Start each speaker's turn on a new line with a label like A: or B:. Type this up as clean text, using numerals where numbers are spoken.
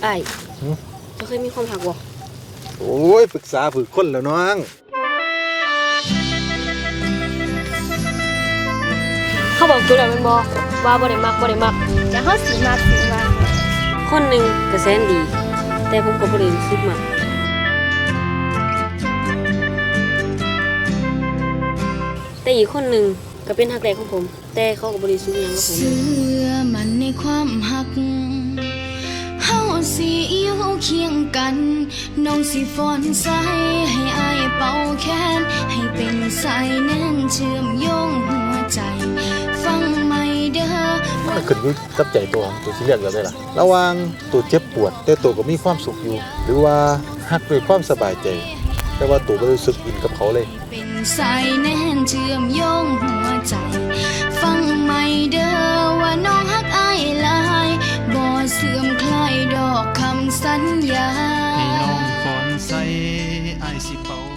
A: อ้ายจะเคยมีความหักบ่
B: โอ้ยปรึกษาฝึกคนแล้วน้อง
A: เขาบอกตัวแล้วมันบ่ว่าบ่ได้มัก
C: จะเฮาสิมักสิว่า
A: คนหนึ่งก็แสนดี แต่ผมก็บ่ได้รู้สึกมักแต่อีกคนหนึ่งก็เป็นฮักแรกของผม แต่เขาก็บ่ได้รู้สึกหยังกับผม
C: เชื่อมันในความหักเฮาสิอยู่เคียงกันน้องสิฟ้อนใส่ให้อายเป่าแขนให้เป็นสายแน่นเชื่อมโยงหัวใจฟังไม่เด้อ
B: มันขึ้นอยู่กับใจตัวของตัวสิเลือกแบบใดล่ะระหว่างตัวเจ็บปวดแต่ตัวก็มีความสุขอยู่หรือว่าฮักด้วยความสบายใจแต่ว่าตัวบ่รู้สึกอินกับเขาเลย
C: เป็นสายแน่นเชื่อมโยงหัวใจฟังไม่เด้อว่าน้องฮักอายหลายบ่เสื่อมคลายดอกคำสัญญา
D: ให้น้องฟ้อนใส่อายสิเป่า